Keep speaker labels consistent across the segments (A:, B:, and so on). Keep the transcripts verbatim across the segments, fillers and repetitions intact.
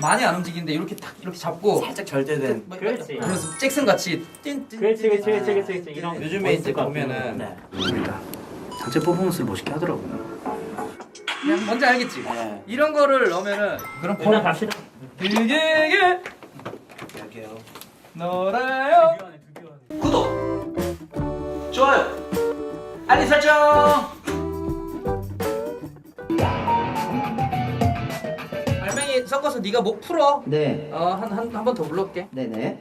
A: 많이 안 움직이는데 이렇게 딱 이렇게 잡고
B: 살짝 절대된.
A: 막-
C: 그렇지.
A: 그래서 잭슨 같이 띵띵
C: 그렇지 그렇지 그렇지 그렇지 그렇지 이런
A: 요즘에 이제
C: 멋있을 것
A: 보면은
B: 네.
D: 전체 퍼포먼스를 멋있게 하더라고요.
A: 그냥 뭔지 알겠지?
B: 네.
A: 이런 거를 넣으면은 그럼
C: 일단 갑시다.
A: 길게
B: 여기요.
A: 놀아요. 구독, 좋아요, 알림 설정. 알맹이 섞어서 네가 목 풀어.
E: 네.
A: 어한 한 한 번 더 불러올게.
E: 네네.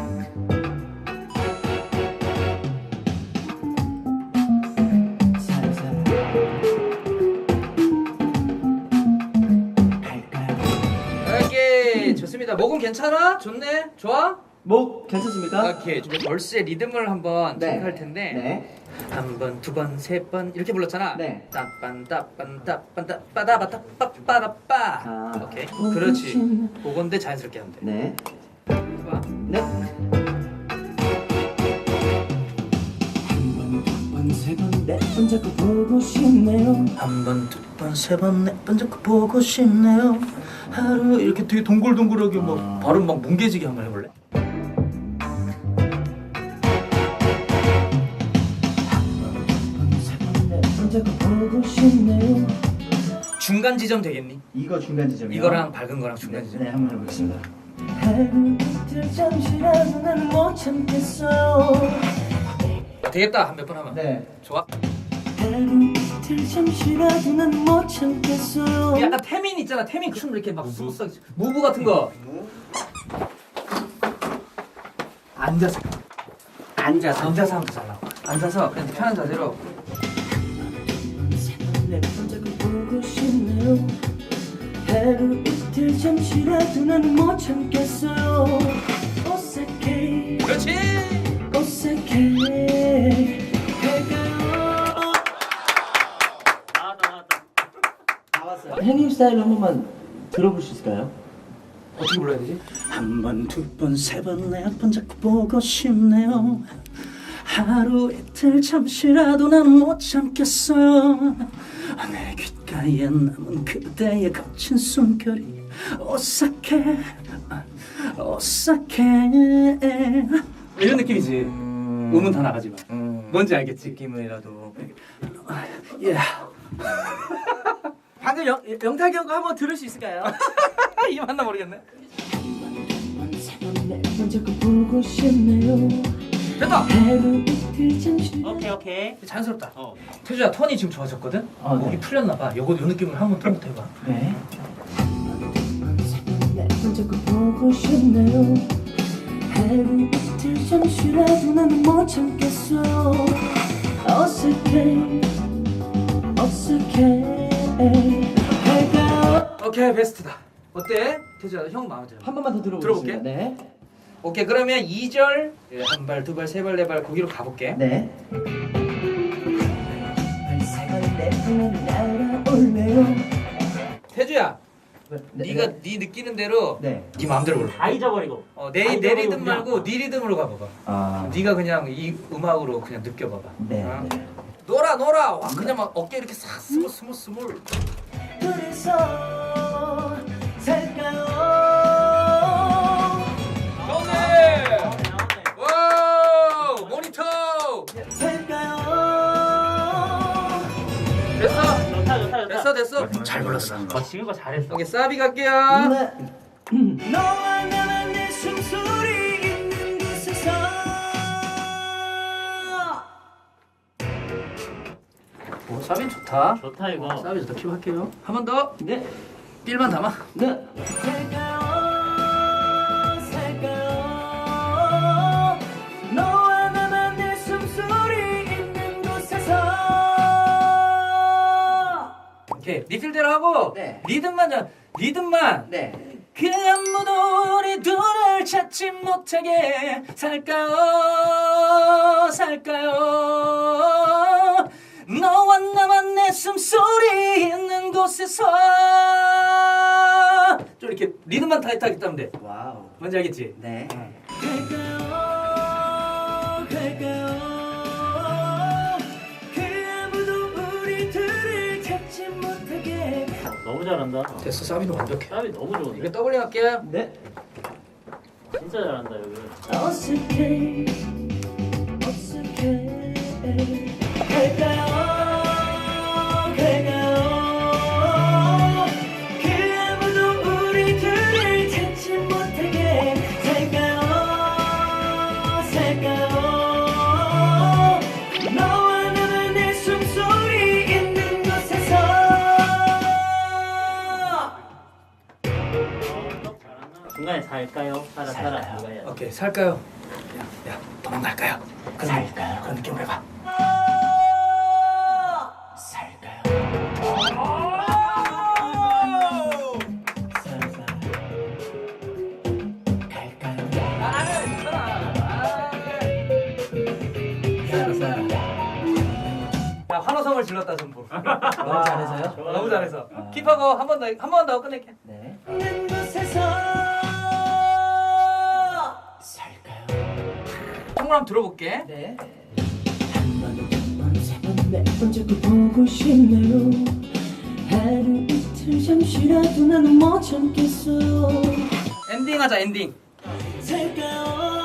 E: 살살 갈까요?
A: 오케이 좋습니다. 목은 괜찮아? 좋네. 좋아?
E: 목 괜찮습니까?
A: 오케이. 이제 벌스의 리듬을 한번
E: 네.
A: 체크할 텐데.
E: 네.
A: 한 번, 두 번, 세 번 이렇게 불렀잖아.
E: 네.
A: 따빤 따빤 따빤 따빠다바따 빠빠라빠.
E: 아.
A: 오케이. 그렇지. 그건데 자연스럽게 하면 돼.
E: 네.
A: 해봐.
E: 네. 한번두번세번네번 자꾸 보고 싶네요.
D: 한 번, 두 번, 세 번, 네 번 자꾸 보고 싶네요. 하루
A: 이렇게 되게 동글동글하게 막
E: 아.
A: 발음 막 뭉개지게 한번 해볼래?
E: 한번세번네번 자꾸 보고 싶네요.
A: 중간 지점 되겠니?
E: 이거 중간 지점이요?
A: 이거랑 밝은 거랑 중간 지점.
E: 네, 한번 해보겠습니다. 하루 이틀 잠시라도 나는 못 참겠어요.
A: 되겠다. 한 몇 번 하면.
E: 네.
A: 좋아.
E: 하루 이틀 잠시라도 나는 못 참겠어요.
A: 약간 태민 있잖아. 태민 춤 이렇게 막 스무스하게 무브 같은 거. 앉아서. 앉아서. 앉아서 하면 더 잘 나와. 앉아서 그냥 편한 자세로.
E: 내번 자꾸 보고 싶네요. 하루 이틀 잠시라도 나는 못 참겠어요. 어색해
A: 그렇지.
E: 어색해 갈까요?
C: 나왔다 나왔다.
E: 나왔어요. 행님 스타일 한 번만 들어볼 수 있을까요?
A: 어떻게 불러야 되지?
D: 한 번, 두 번, 세 번, 네 번 자꾸 보고 싶네요. 하루 이틀 잠시라도 나는 못 참겠어요. 내 귓가에 남은 그대의 거친 숨결이 오싹해, 오싹해.
A: 이런 느낌이지. 음... 음은 다 나가지만.
B: 음.
A: 뭔지 알겠지?
B: 느낌이라도.
D: 예.
B: 방금 영 영탁이 형 거 한번 들을 수 있을까요?
A: 이게 맞나 모르겠네.
E: 내번 자꾸 보고 싶네요.
A: 됐다.
E: 하루 이틀 잠시
C: 오케이 오케이.
A: 자연스럽다.
C: 어.
A: 태주야 턴이 지금 좋아졌거든?
E: 아,
A: 목이
E: 네.
A: 풀렸나 봐. 요거 요 느낌을 한번 턴부터 해봐.
E: 네. 내번 자꾸 보고 싶네요. 하루 이틀 잠시라도 나는 못 참겠어요. 어색해 어색해 갈까요?
A: 오케이 베스트다. 어때? 태주야 형 마음에 들어.
E: 한 번만 더 들어보겠습니다.
A: 들어볼게.
E: 네.
A: 오케이 그러면 이 절 한 발, 두 발, 세 발, 네 발 거기로 가볼게.
E: 네. 발사가 내 품을 날아올래요.
A: 태주야,
E: 네,
A: 네가
E: 네.
A: 네 느끼는 대로
E: 네.
A: 네 마음대로 불러.
C: 다 잊어버리고.
A: 어, 내,
C: 다
A: 내
C: 잊어버리고
A: 리듬
C: 그냥.
A: 말고 네 리듬으로 가봐봐.
E: 아.
A: 네가 그냥 이 음악으로 그냥 느껴봐봐.
E: 네.
A: 어?
E: 네.
A: 놀아 놀아. 와 그냥 막 어깨 이렇게 싹 스물 스물 스물.
E: 둘이서 살까요?
A: 좋네.
C: 나오네 나오네.
A: 와우 모니터.
E: 살까요?
A: 됐어.
C: 좋다 좋다 좋다.
A: 됐어 됐어.
D: 잘 불렀어.
C: 어 지금 거 잘했어.
A: 오케이 사비 갈게요.
E: 네. 너와 나만 내 숨소리 있는 곳에서
A: 오 사비 좋다.
C: 좋다 이거.
A: 사비 좋다. 킵할게요. 한 번 더.
E: 네.
A: 삘만 담아.
E: 네. 살까요? 살까요? 너와 나만 내 숨소리 있는 곳에서
A: 오케이 리필대로 하고
E: 네.
A: 리듬만 자 리듬만.
E: 네.
A: 그 아무도 우리 둘을 찾지 못하게 살까요 살까요 너와 나만 내 숨소리 있는 곳에서 좀 이렇게 리듬만 타이트하게 따면 돼.
E: 와우.
A: 뭔지 알겠지?
E: 네.
A: 갈까요
E: 갈까요? 그 아무도 우리 둘을 찾지 못하게
C: 너무 잘. 잘한다.
A: 됐어, 사비는 완벽해.
C: 사비 너무 좋은데.
A: 이거 더블링 할게요.
B: 네.
C: 진짜 잘한다 여기.
E: 어색해 어색해 갈까요 갈까요 그 아무도 우리들을 찾지 못하게 살까요 살까요 너와 나만 내 숨소리 있는 곳에서
C: 중간에 살까요? 살아 살아. 이거 해야 돼.
A: 오케이, 살까요? 야, 야, 도망갈까요? 그런, 살까요? 그런 느낌으로 해봐.
E: 살까요
A: 살아, 살아. 야, 환호성을 질렀다 전부.
B: 너무 잘해서요?
A: 너무 잘해서. 킵하고 한 번 더, 한 번 더 끝낼게.
B: 네.
E: 있는 곳에서 살까요
A: 한번 한번 들어볼게.
B: 네.
E: 한번두번세번네번 자꾸 보고 싶네요 하루 이틀 잠시라도 나는 못 참겠어요
A: 엔딩하자, 엔딩.
E: 살까요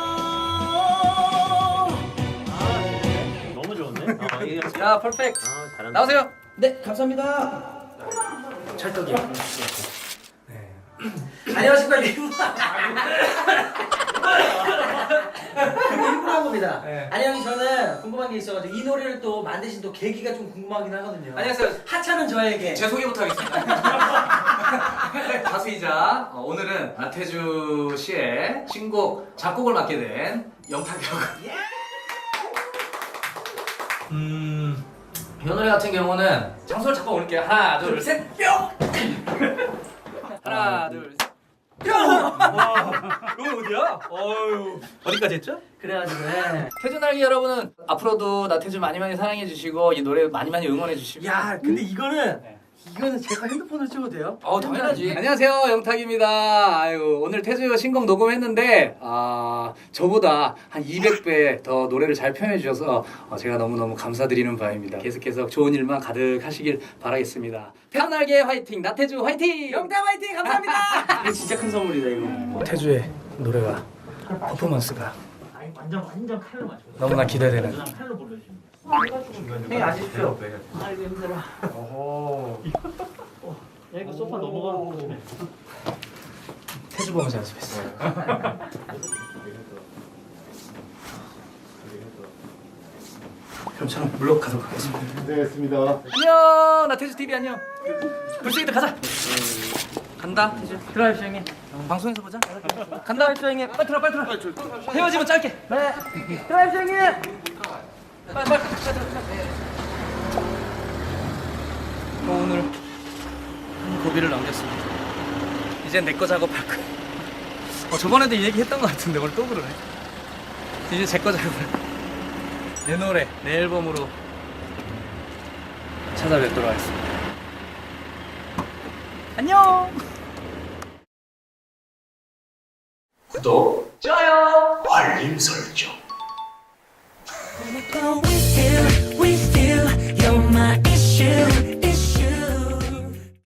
C: 너무 좋은데? 아, 이게
A: 야, 퍼펙트.
C: 아, 잘한다.
A: 나오세요.
B: 네, 감사합니다.
A: 찰떡이야.
B: 안녕하십니까 일부. 일부러 한 겁니다.
A: 네.
B: 아니 형이 저는 궁금한 게 있어가지고 이 노래를 또 만드신 또 계기가 좀 궁금하긴 하거든요.
A: 안녕하세요.
B: 하차는 저에게.
A: 제 소개부터 하겠습니다. 가수이자 어, 오늘은 나태주 씨의 신곡 작곡을 맡게 된 영탁이라고. 음, 이 노래 같은 경우는 장소를 잡고 올릴게요. 하나, 둘, 셋, 뿅. 하나, 둘, 셋. 뿅! 여기 어디야? 어유 어디까지 했죠?
B: 그래가지고 네.
A: 태주 날개 여러분은 앞으로도 나태주 많이 많이 사랑해 주시고 이 노래 많이 많이 응원해 주시고.
B: 야, 근데 이거는
A: 네.
B: 이거는 제가 핸드폰을 찍어도 돼요?
A: 어 당연하지. 안녕하세요, 영탁입니다. 아유, 오늘 태주 신곡 녹음했는데 아 저보다 한 이백 배 더 노래를 잘 표현해 주셔서 어, 제가 너무 너무 감사드리는 바입니다. 계속해서 좋은 일만 가득하시길 바라겠습니다. 태주 날개 화이팅, 나태주 화이팅.
B: 영탁 화이팅 감사합니다.
C: 이거 진짜 큰 선물이다 이거.
A: 태주의 노래와 퍼포먼스가
C: 아니, 완전 완전 칼로 맞춰.
A: 너무나 기대되는.
C: 그냥 칼로 불러주시면.
B: 형님 아십시오.
C: 아이고 힘들어.
A: 오호.
C: 야 이거 소파 넘어가.
A: 태주 보면서 연습했어. 그럼 저는 물러가도록 하겠습니다.
F: 고생했습니다.
A: 안녕, 나 태주 티비 안녕. 불쑥이들 가자. 간다, 태주.
C: 드라이브 형님.
A: 방송에서 보자. 간다, 태주 형님. 빨리 들어, 빨리 들어. 헤어지면 짧게. 네.
B: 드라이브 형님.
A: 빨리, 빨리, 빨리 들어. 어, 오늘 한 고비를 넘겼습니다. 이제 내 거 작업할 거야. 어, 저번에도 이 얘기 했던 것 같은데 오늘 또 그러네. 이제 제 거 작업을. 내 노래, 내 앨범으로 찾아뵙도록 하겠습니다. 안녕!
D: 구독,
A: 좋아요!
D: 알림 설정.
E: Going